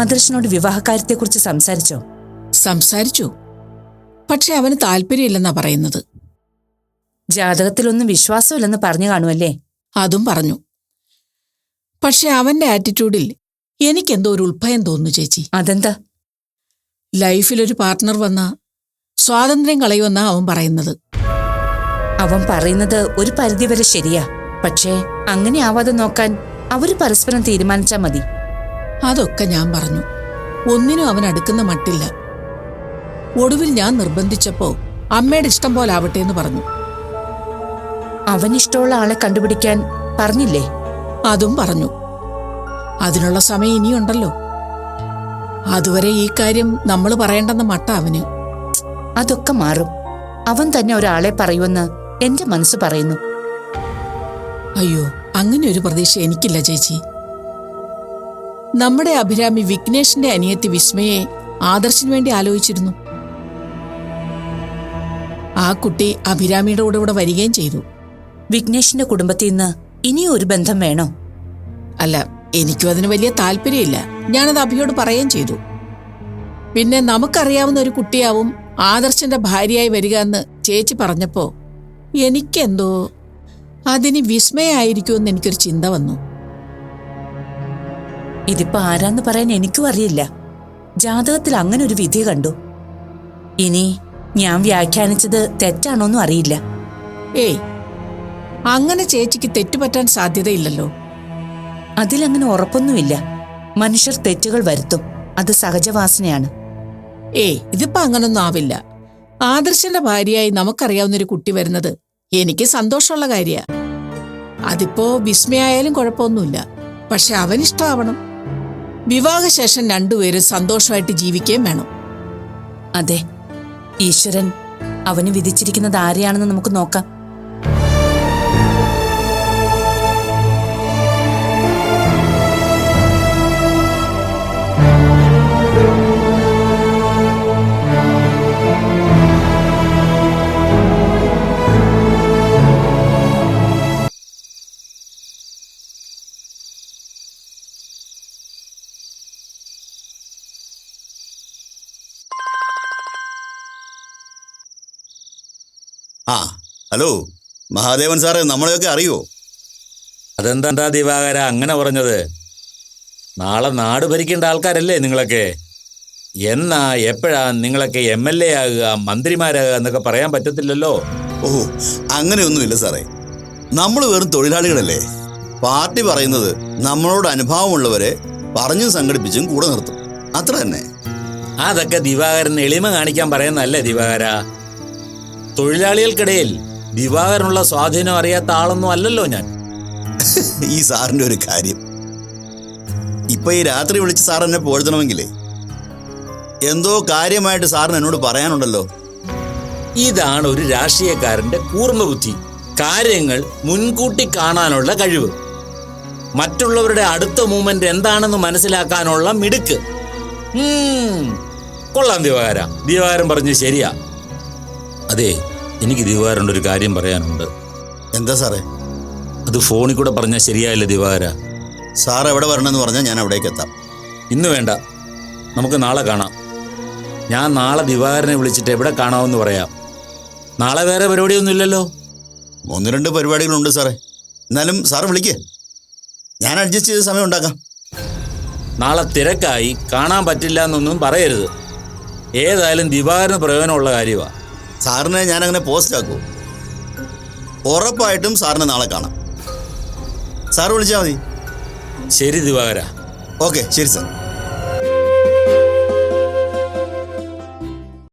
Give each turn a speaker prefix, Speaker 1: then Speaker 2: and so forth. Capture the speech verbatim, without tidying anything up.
Speaker 1: ആദർശനോട് വിവാഹകാര്യത്തെക്കുറിച്ച് സംസാരിച്ചോ?
Speaker 2: സംസാരിച്ചു. പക്ഷെ അവന് താല്പര്യമില്ലെന്നാ പറയുന്നത്.
Speaker 1: ജാതകത്തിലൊന്നും വിശ്വാസമില്ലെന്ന് പറഞ്ഞു കാണുമല്ലേ?
Speaker 2: അതും പറഞ്ഞു. പക്ഷെ അവന്റെ ആറ്റിറ്റ്യൂഡിൽ എനിക്കെന്തോ ഒരു ഉൾഭയം തോന്നുന്നു ചേച്ചി.
Speaker 1: അതെന്താ?
Speaker 2: ലൈഫിലൊരു പാർട്ട്ണർ വന്ന സ്വാതന്ത്ര്യം കളയുമെന്നാ അവൻ പറയുന്നത്.
Speaker 1: അവൻ പറയുന്നത് ഒരു പരിധിവരെ ശരിയാ. പക്ഷേ അങ്ങനെ ആവാതെ നോക്കാൻ അവര് പരസ്പരം തീരുമാനിച്ചാ മതി.
Speaker 2: അതൊക്കെ ഞാൻ പറഞ്ഞു. ഒന്നിനും അവൻ അടുക്കുന്ന മട്ടില്ല. ഒടുവിൽ ഞാൻ നിർബന്ധിച്ചപ്പോ അമ്മയുടെ ഇഷ്ടം പോലെ ആവട്ടെ എന്ന് പറഞ്ഞു.
Speaker 1: അവനിഷ്ടമുള്ള ആളെ കണ്ടുപിടിക്കാൻ പറഞ്ഞില്ലേ?
Speaker 2: അതും പറഞ്ഞു. അതിനുള്ള സമയം ഇനിയുണ്ടല്ലോ. അതുവരെ ഈ കാര്യം നമ്മൾ പറയേണ്ടെന്ന മട്ട അവന്.
Speaker 1: അതൊക്കെ മാറും. അവൻ തന്നെ ഒരാളെ പറയുമെന്ന് എന്റെ മനസ്സ് പറയുന്നു.
Speaker 2: അയ്യോ, അങ്ങനെ ഒരു പ്രതീക്ഷ എനിക്കില്ല ചേച്ചി. നമ്മുടെ അഭിരാമി വിഘ്നേഷിന്റെ അനിയത്തി വിസ്മയെ ആദർശിന് വേണ്ടി ആലോചിച്ചിരുന്നു. ആ കുട്ടി അഭിരാമിയുടെ കൂടെ ഇവിടെ വരികയും ചെയ്തു.
Speaker 1: വിഘ്നേഷിന്റെ കുടുംബത്തിൽ നിന്ന് ഇനിയും ഒരു ബന്ധം വേണോ?
Speaker 2: അല്ല, എനിക്കും അതിന് വലിയ താല്പര്യമില്ല. ഞാനത് അഭിയോട് പറയുകയും ചെയ്തു. പിന്നെ നമുക്കറിയാവുന്ന ഒരു കുട്ടിയാവും ആദർശന്റെ ഭാര്യയായി വരിക എന്ന് ചേച്ചി പറഞ്ഞപ്പോ എനിക്കെന്തോ അതിന് വിസ്മയായിരിക്കുമെന്ന് എനിക്കൊരു ചിന്ത വന്നു.
Speaker 1: ഇതിപ്പോ ആരാന്ന് പറയാൻ എനിക്കും അറിയില്ല. ജാതകത്തിൽ അങ്ങനെ ഒരു വിധി കണ്ടു. ഇനി ഞാൻ വ്യാഖ്യാനിച്ചത് തെറ്റാണോന്നും അറിയില്ല.
Speaker 2: ഏയ്, അങ്ങനെ ചേച്ചിക്ക് തെറ്റുപറ്റാൻ സാധ്യതയില്ലല്ലോ.
Speaker 1: അതിലങ്ങനെ ഉറപ്പൊന്നുമില്ല. മനുഷ്യർ തെറ്റുകൾ വരുത്തും. അത് സഹജവാസനയാണ്.
Speaker 2: ഏയ്, ഇതിപ്പോ അങ്ങനൊന്നും ആവില്ല. ആദർശന്റെ ഭാര്യയായി നമുക്കറിയാവുന്നൊരു കുട്ടി വരുന്നത് എനിക്ക് സന്തോഷമുള്ള കാര്യ. അതിപ്പോ വിസ്മയായാലും കുഴപ്പമൊന്നുമില്ല. പക്ഷെ അവനിഷ്ടമാവണം. വിവാഹശേഷം രണ്ടുപേരും സന്തോഷമായിട്ട് ജീവിക്കുകയും വേണം.
Speaker 1: അതെ, ഈശ്വരൻ അവന് വിധിച്ചിരിക്കുന്നത് ആരെയാണെന്ന് നമുക്ക് നോക്കാം.
Speaker 3: ആ ഹലോ മഹാദേവൻ സാറേ, നമ്മളെയൊക്കെ അറിയോ?
Speaker 4: അതെന്താ ദിവാകര അങ്ങനെ പറഞ്ഞത്? നാളെ നാട് ഭരിക്കേണ്ട ആൾക്കാരല്ലേ നിങ്ങളൊക്കെ. എന്നാ എപ്പോഴാ നിങ്ങളൊക്കെ എം എൽ എ ആകുക, മന്ത്രിമാരാകുക എന്നൊക്കെ പറയാൻ പറ്റത്തില്ലല്ലോ.
Speaker 3: ഓഹോ, അങ്ങനെയൊന്നുമില്ല സാറേ. നമ്മൾ വെറും തൊഴിലാളികളല്ലേ. പാർട്ടി പറയുന്നത് നമ്മളോട് അനുഭാവമുള്ളവരെ പറഞ്ഞും സംഘടിപ്പിച്ചും കൂടെ നിർത്തും, അത്ര തന്നെ.
Speaker 4: അതൊക്കെ ദിവാകരൻ എളിമ കാണിക്കാൻ പറയുന്നതല്ലേ ദിവാകര. തൊഴിലാളികൾക്കിടയിൽ ദിവാകരനുള്ള സ്വാധീനം അറിയാത്ത ആളൊന്നും അല്ലല്ലോ ഞാൻ.
Speaker 3: ഈ സാറിന്റെ ഒരു കാര്യം, ഇപ്പൊ ഈ രാത്രി വിളിച്ച് സാർ എന്നെ പോഴ്ത്തണമെങ്കിലേ എന്തോ കാര്യമായിട്ട് സാറിന് എന്നോട് പറയാനുണ്ടല്ലോ.
Speaker 4: ഇതാണ് ഒരു രാഷ്ട്രീയക്കാരന്റെ കൂർമ്മ ബുദ്ധി. കാര്യങ്ങൾ മുൻകൂട്ടി കാണാനുള്ള കഴിവ്, മറ്റുള്ളവരുടെ അടുത്ത മൂവ്മെന്റ് എന്താണെന്ന് മനസ്സിലാക്കാനുള്ള മിടുക്ക്. കൊള്ളാം ദിവാകര, ദിവാകരൻ പറഞ്ഞു ശരിയാ. അതെ, എനിക്ക് ദിവാകരൻ്റെ ഒരു കാര്യം പറയാനുണ്ട്.
Speaker 3: എന്താ സാറേ?
Speaker 4: അത് ഫോണിൽ കൂടെ പറഞ്ഞാൽ ശരിയായില്ല ദിവാകര.
Speaker 3: സാർ എവിടെ വരണമെന്ന് പറഞ്ഞാൽ ഞാൻ അവിടേക്ക് എത്താം.
Speaker 4: ഇന്ന് വേണ്ട, നമുക്ക് നാളെ കാണാം. ഞാൻ നാളെ ദിവാകരനെ വിളിച്ചിട്ട് എവിടെ കാണാമെന്ന് പറയാം. നാളെ വേറെ പരിപാടിയൊന്നും ഇല്ലല്ലോ?
Speaker 3: ഒന്ന് രണ്ട് പരിപാടികളുണ്ട് സാറേ. എന്നാലും സാറ് വിളിക്കേ, ഞാൻ അഡ്ജസ്റ്റ് ചെയ്ത് സമയം ഉണ്ടാക്കാം.
Speaker 4: നാളെ തിരക്കായി കാണാൻ പറ്റില്ല എന്നൊന്നും പറയരുത്. ഏതായാലും ദിവാകരന് പ്രയോജനമുള്ള കാര്യമാണ്.
Speaker 3: സാറിനെ ഞാനങ്ങനെ പോസ്റ്റ് ആക്കൂ. ഉറപ്പായിട്ടും സാറിനെ നാളെ കാണാം. സാറ് വിളിച്ചാൽ മതി.
Speaker 4: ശരി ദിവാകര.
Speaker 3: ഓക്കെ, ശരി സാർ.